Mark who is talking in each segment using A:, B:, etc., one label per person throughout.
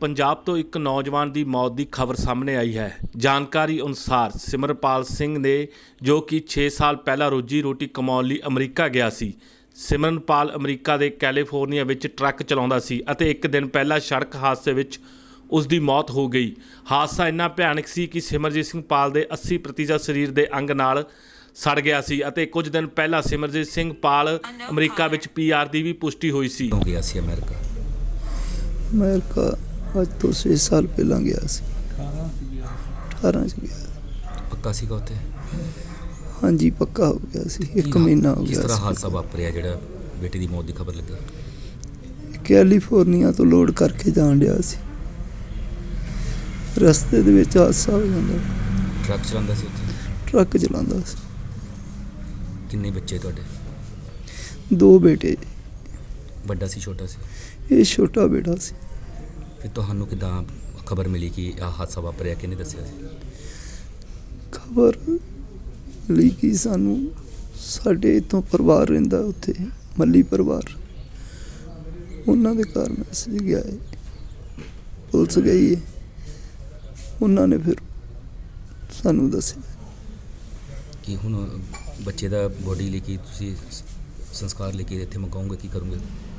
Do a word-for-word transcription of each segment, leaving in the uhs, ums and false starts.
A: पंजाब तो एक नौजवान की मौत की खबर सामने आई है। जानकारी अनुसार सिमरनपाल सिंह ने जो कि छे साल पहला रोजी रोटी कमाउण लई अमरीका गया सी। सिमरनपाल अमरीका के कैलीफोर्निया विच ट्रक चलाउंदा सी अते एक दिन पहला सड़क हादसे विच उसकी मौत हो गई। हादसा इन्ना भयानक सी कि सिमरजीत सिंह पाल के अस्सी प्रतिशत शरीर के अंग नाल सड़ गया सी अते कुछ दिन पहला सिमरजीत सिंह पाल अमरीका विच पी आर की भी पुष्टि हुई सी।
B: हो गया सी अमेरिका
C: अमेरिका अज तो छे साल पहला गया सी, अठारह च गया।
B: पक्का सीगा उत्थे?
C: हाँ जी पक्का हो गया सी, एक महीना हो
B: किस
C: गया।
B: तरह हादसा वापरिया जिहड़ा बेटे की मौत की खबर लगी?
C: कैलीफोर्निया तो लोड करके जान दिया सी, रस्ते दे विच हादसा हो जांदा।
B: ट्रक चलांदा सी उत्थे?
C: ट्रक चलांदा सी।
B: किन्ने बच्चे तुहाडे?
C: दो बेटे।
B: बड़ा सी छोटा सी?
C: ये छोटा बेटा सी।
B: फिर तुहानू किदां खबर मिली कि आ हादसा वापरिया, किहने दस्सिया सी?
C: खबर मिली कि सानू साडे इत्थों परिवार रहिंदा उत्थे मल्ली परिवार, उन्हां दे घर मैसेज गया है, पुलिस गई है, उन्होंने फिर सानू दस्सिया
B: कि हुण बच्चे दा बॉडी लेके तुसीं संस्कार लेके इत्थे मंगाओगे, की करोगे?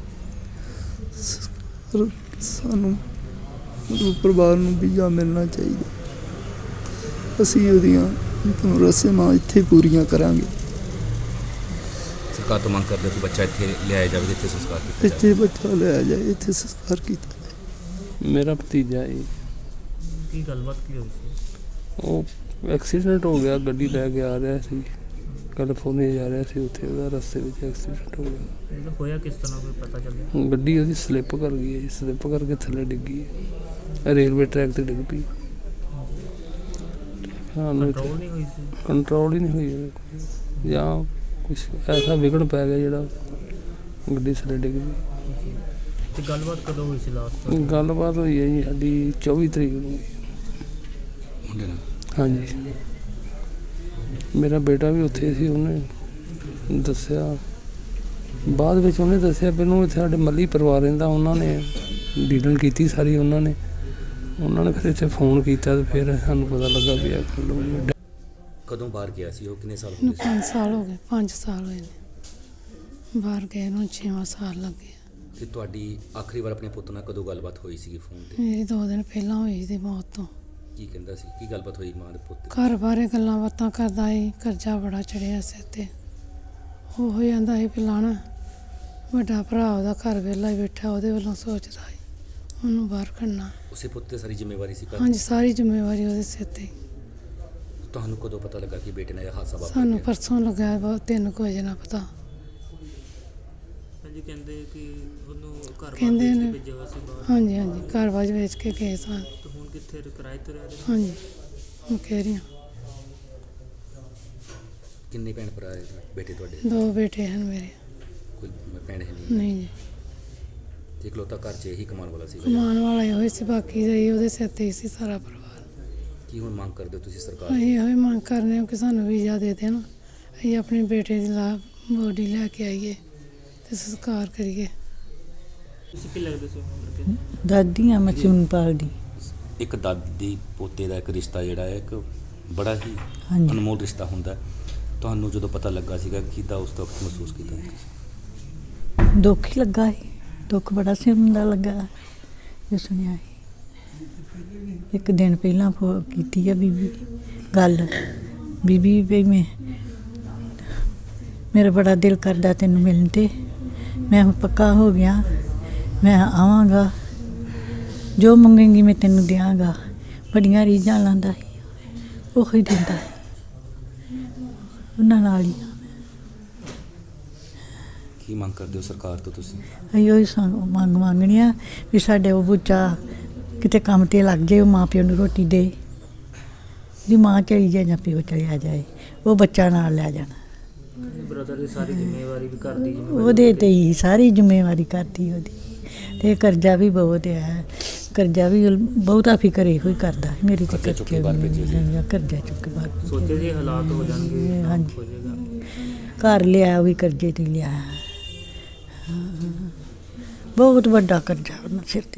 C: सर सानू मतलब परिवार नूं वीज़ा मिलना चाहिए, असीं उहदियां रस्मां इत्थे पूरियां करांगे।
B: सरकार तो मंग करदे कि बच्चा इत्थे लिआया जावे, इत्थे संस्कार कीता जावे।
C: इत्थे बच्चा लिया जाए, इत्थे संस्कार कीता जाए।
D: मेरा भतीजा है।
E: की गलबात की हुई सी?
D: वो एक्सीडेंट हो गया, गड्डी लैके आ रहा सी, कैलीफोर्निया जा रहा सी, उत्थे ਉਹਦਾ रस्ते ਵਿੱਚ एक्सीडेंट हो गया।
E: मतलब होया किस तरह कोई पता चलिया?
D: ਗੱਡੀ ਉਹਦੀ ਸਲਿੱਪ ਕਰ ਗਈ ਹੈ, ਸਲਿੱਪ ਕਰਕੇ ਥੱਲੇ ਡਿੱਗੀ ਹੈ, ਰੇਲਵੇ ਟਰੈਕ ਤੇ ਡਿੱਗ ਪਈ। ਹਾਂ
E: कंट्रोल नहीं हुई सी?
D: ਕੰਟਰੋਲ ਹੀ ਨਹੀਂ ਹੋਈ ਉਹਦੇ, ਜਾਂ ਕੁਛ ਐਸਾ ਵਿਗੜ ਪੈ ਗਿਆ ਜਿਹੜਾ ਗੱਡੀ ਥੱਲੇ ਡਿੱਗ ਪਈ।
E: ਤੇ ਗੱਲਬਾਤ ਕਦੋਂ ਹੋਈ ਸੀ ਲਾਸਟ?
D: ਗੱਲਬਾਤ ਹੋਈ ਹੈ ਜੀ ਸਾਡੀ ਚੌਵੀ ਤਰੀਕ ਨੂੰ।
B: ਮੁੰਡੇ ਨਾਲ?
D: ਹਾਂਜੀ, ਮੇਰਾ ਬੇਟਾ ਵੀ ਉੱਥੇ ਸੀ, ਉਹਨੇ ਦੱਸਿਆ ਬਾਅਦ ਵਿੱਚ, ਉਹਨੇ ਦੱਸਿਆ ਮੈਨੂੰ ਇੱਥੇ ਸਾਡੇ ਮੱਲੀ ਪਰਿਵਾਰ ਰਹਿੰਦਾ, ਉਹਨਾਂ ਨੇ ਡੀਲਿੰਗ ਕੀਤੀ ਸਾਰੀ, ਉਹਨਾਂ ਨੇ ਉਹਨਾਂ ਨੇ ਫਿਰ ਇੱਥੇ ਫੋਨ ਕੀਤਾ ਤੇ ਫਿਰ ਸਾਨੂੰ ਪਤਾ ਲੱਗਾ ਵੀ ਇਹ ਗੱਲ ਹੋਈ ਹੈ।
B: ਕਦੋਂ ਬਾਹਰ ਗਿਆ ਸੀ ਉਹ? ਕਿੰਨੇ ਸਾਲ ਹੋ
F: ਨੂੰ
B: ਗਏ ਸੀ?
F: ਪੰਜ ਸਾਲ ਹੋ ਗਏ, ਪੰਜ ਸਾਲ ਹੋਏ ਨੇ ਬਾਹਰ ਗਏ ਨੂੰ, ਛੇਵਾਂ ਸਾਲ ਲੱਗੇ।
B: ਤੇ ਤੁਹਾਡੀ ਆਖਰੀ ਵਾਰ ਆਪਣੇ ਪੁੱਤ ਨਾਲ ਕਦੋਂ ਗੱਲਬਾਤ ਹੋਈ ਸੀਗੀ ਫੋਨ ਤੇ?
F: ਮੇਰੀ ਦੋ ਦਿਨ ਪਹਿਲਾਂ ਹੋਈ ਸੀ ਮੌਤ ਤੋਂ।
B: ਕੀ ਕਹਿੰਦਾ ਸੀ, ਕੀ ਗੱਲਬਾਤ ਹੋਈ ਮਾਂ ਦੇ ਪੁੱਤ ਦੀ?
F: ਘਰ ਬਾਰੇ ਗੱਲਾਂ ਬਾਤਾਂ ਕਰਦਾ ਸੀ, ਕਰਜ਼ਾ ਬੜਾ ਚੜਿਆ ਸਿਰ ਤੇ। ਉਹ ਹੋ ਜਾਂਦਾ ਸੀ ਪਿਲਾਣਾ, ਵੱਡਾ ਭਰਾ ਉਹਦਾ ਘਰ ਵਿਹਲਾ ਹੀ ਬੈਠਾ, ਉਹਦੇ ਵੱਲੋਂ ਸੋਚਦਾ ਸੀ ਉਹਨੂੰ ਬਾਹਰ ਕੱਢਣਾ।
B: ਉਸੇ ਪੁੱਤ ਤੇ ਸਾਰੀ ਜ਼ਿੰਮੇਵਾਰੀ ਸੀ ਘਰ ਦੀ?
F: ਹਾਂਜੀ, ਸਾਰੀ ਜ਼ਿੰਮੇਵਾਰੀ ਉਹਦੇ ਸਿਰ ਤੇ।
B: ਤੁਹਾਨੂੰ ਕਦੋਂ ਪਤਾ ਲੱਗਾ ਕਿ ਬੇਟੇ ਨਾਲ ਇਹ ਹਾਦਸਾ ਵਾਪਰ
F: ਸਾਨੂੰ
B: ਗਿਆ?
F: ਪਰਸੋਂ ਲੱਗਾ, ਬਹੁਤ ਤਿੰਨ ਕੁ ਵਜੇ ਨਾ ਪਤਾ।
E: ਹਾਂਜੀ, ਕਹਿੰਦੇ ਕਿ ਉਹਨੂੰ ਘਰ
F: ਕਹਿੰਦੇ
E: ਬਾਹਰ
F: ਨੇ।
E: ਵੇਚ ਕੇ ਭੇਜਿਆ ਹੋਇਆ ਸੀ ਬਾਹਰ।
F: ਹਾਂਜੀ ਹਾਂਜੀ, ਘਰ ਬਾਜ ਵੇਚ ਕੇ ਗਏ ਸਾਂ।
E: ਤੇ ਹੁਣ ਕਿੱਥੇ ਕਿਰਾਏ ਤੇ ਰਹਿ ਰਹੇ ਨੇ?
F: ਹਾਂਜੀ, ਮੈਂ ਕਹਿ ਰਹੀ ਹਾਂ,
B: ਕਿੰਨੇ ਭੈਣ ਭਰਾ ਹੈ ਬੇਟੇ ਤੁਹਾਡੇ?
F: ਦੋ ਬੇਟੇ ਹਨ ਮੇਰੇ।
B: ਕੋਈ ਭੈਣ ਹੈ ਨਹੀਂ?
F: ਨਹੀਂ ਜੀ,
B: ਤੇ ਇਕਲੌਤਾ ਘਰ 'ਚ ਇਹੀ ਕਮਾਉਣ ਵਾਲਾ ਸੀ?
F: ਕਮਾਉਣ ਵਾਲਾ ਇਹੋ ਹੀ ਸੀ, ਬਾਕੀ ਦਾ ਹੀ ਉਹਦੇ ਸਿਰ ਤੇ ਹੀ ਸੀ ਸਾਰਾ ਪਰਿਵਾਰ।
B: ਕੀ ਹੁਣ ਮੰਗ ਕਰਦੇ ਹੋ ਤੁਸੀਂ ਸਰਕਾਰ?
F: ਅਸੀਂ ਇਹੋ ਹੀ ਮੰਗ ਕਰਨੇ ਹਾਂ ਕਿ ਸਾਨੂੰ ਵੀਜ਼ਾ ਦੇ ਦੇਣ, ਅਸੀਂ ਆਪਣੇ ਬੇਟੇ ਦੀ ਲਾ ਬੋਡੀ ਲੈ ਕੇ ਆਈਏ ਤੇ ਸੰਸਕਾਰ ਕਰੀਏ।
E: ਤੁਸੀਂ ਕੀ ਲੱਗਦੇ ਸੀ ਉਹਨਾਂ ਦੇ?
G: ਦਾਦੀ ਆ ਮੈਂ ਸਿਮਰਨਪਾਲ ਦੀ।
B: ਇੱਕ ਦਾਦੀ ਪੋਤੇ ਦਾ ਇੱਕ ਰਿਸ਼ਤਾ ਜਿਹੜਾ ਹੈ ਇੱਕ ਬੜਾ ਹੀ
G: ਹਾਂਜੀ।
B: ਅਨਮੋਲ ਰਿਸ਼ਤਾ ਹੁੰਦਾ। ਤੁਹਾਨੂੰ ਜਦੋਂ ਪਤਾ ਲੱਗਾ ਸੀਗਾ ਕਿੱਦਾਂ ਉਸ ਵਕਤ ਮਹਿਸੂਸ ਕੀਤਾ ਤੁਸੀਂ?
G: ਦੁੱਖ ਹੀ ਲੱਗਾ ਸੀ, ਦੁੱਖ ਬੜਾ ਸਿਮ ਦਾ ਲੱਗਾ ਜੇ ਸੁਣਿਆ ਸੀ। ਇੱਕ ਦਿਨ ਪਹਿਲਾਂ ਫੋ ਕੀਤੀ ਆ ਬੀਬੀ ਗੱਲ, ਬੀਬੀ ਵੀ ਮੈਂ ਮੇਰਾ ਬੜਾ ਦਿਲ ਕਰਦਾ ਤੈਨੂੰ ਮਿਲਣ ਤੇ, ਮੈਂ ਹੁਣ ਪੱਕਾ ਹੋ ਗਿਆ, ਮੈਂ ਆਵਾਂਗਾ, ਜੋ ਮੰਗੇਂਗੀ ਮੈਂ ਤੈਨੂੰ ਦਿਆਂਗਾ। ਬੜੀਆਂ ਰੀਝਾਂ ਲਾਉਂਦਾ ਸੀ, ਉਹ ਹੀ ਦਿੰਦਾ ਸੀ, ਉਹਨਾਂ ਨਾਲ ਹੀ।
B: ਕੀ ਮੰਗ ਕਰਦੇ ਹੋ ਸਰਕਾਰ ਤੋਂ ਤੁਸੀਂ?
G: ਅਸੀਂ ਉਹੀ ਸੰਗ ਮੰਗ ਮੰਗਣੀ ਆ ਵੀ ਸਾਡੇ ਉਹ ਬੱਚਾ ਕਿਤੇ ਕੰਮ 'ਤੇ ਲੱਗ ਜਾਏ, ਉਹ ਮਾਂ ਪਿਓ ਨੂੰ ਰੋਟੀ ਦੇ, ਜੀ ਮਾਂ ਚਲੀ ਜਾਏ ਜਾਂ ਪਿਓ ਚਲਿਆ ਜਾਏ, ਉਹ ਬੱਚਾ ਨਾਲ ਲੈ ਜਾਣਾ।
E: ਬ੍ਰਦਰ ਦੀ ਸਾਰੀ ਜ਼ਿੰਮੇਵਾਰੀ ਵੀ ਘਰ ਦੀ ਜ਼ਿੰਮੇਵਾਰੀ
G: ਉਹਦੇ 'ਤੇ ਹੀ ਸਾਰੀ ਜ਼ਿੰਮੇਵਾਰੀ ਕਰਦੀ ਉਹਦੀ, ਅਤੇ ਕਰਜ਼ਾ ਵੀ ਬਹੁਤ ਹੈ, ਕਰਜ਼ਾ ਵੀ ਬਹੁਤਾ ਫਿਕਰ ਇਹੋ ਹੀ ਕਰਦਾ ਮੇਰੀ ਤਾਂ
B: ਕਰਜ਼ਾ ਚੁੱਕ ਕੇ ਬਾਹਰ ਭੇਜਿਆ ਸੀ।
G: ਕਰਜ਼ਾ ਚੁੱਕ ਕੇ ਬਾਹਰ
E: ਸੋਚੇ ਸੀ ਹਾਲਾਤ ਹੋ ਜਾਣਗੇ,
G: ਹਾਂਜੀ।
E: ਹੋ ਜਾਏਗਾ।
G: ਘਰ ਲਿਆ ਉਹ ਵੀ ਕਰਜ਼ੇ 'ਤੇ ਲਿਆ, ਬਹੁਤ ਵੱਡਾ ਕਰਜ਼ਾ ਉਹਨਾਂ ਸਿਰ 'ਤੇ।